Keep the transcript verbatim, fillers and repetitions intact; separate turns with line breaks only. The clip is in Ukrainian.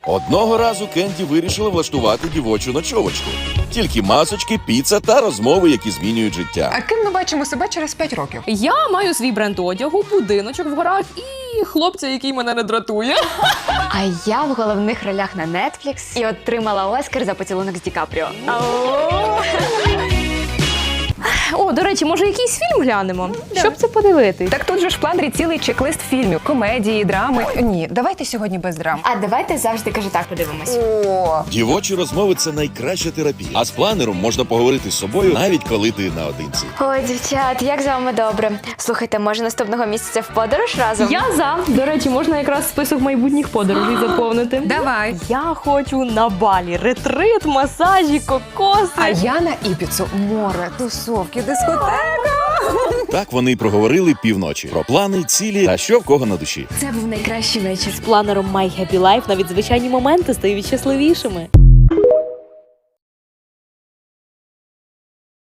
Одного разу Кенді вирішила влаштувати дівочу ночовочку. Тільки масочки, піца та розмови, які змінюють життя.
А ким ми бачимо себе через п'ять років?
Я маю свій бренд одягу, будиночок в горах і хлопця, який мене не дратує.
А я в головних ролях на Netflix і отримала Оскар за поцілунок з Ді Капріо.
О, до речі, може якийсь фільм глянемо? Щоб це подивитись.
Так тут же ж в планері цілий чек-лист фільмів, комедії, драми. Ні, давайте сьогодні без драм.
А давайте завжди кажу так подивимось.
О,
Дівочі розмови – це найкраща терапія. А з планером можна поговорити з собою, навіть коли ти наодинці.
Ой, дівчат, як з вами добре. Слухайте, може наступного місяця в подорож разом?
Я за. До речі, можна якраз список майбутніх подорожей заповнити.
давай.
Я хочу на Балі. Ретрит, масажі, кокоси.
А я на Іпіцу. Море, тусовки, дискотека.
Так вони й проговорили півночі. Про плани, цілі та що в кого на душі.
Це був найкращий вечір.
З планером My Happy Life навіть звичайні моменти стають щасливішими.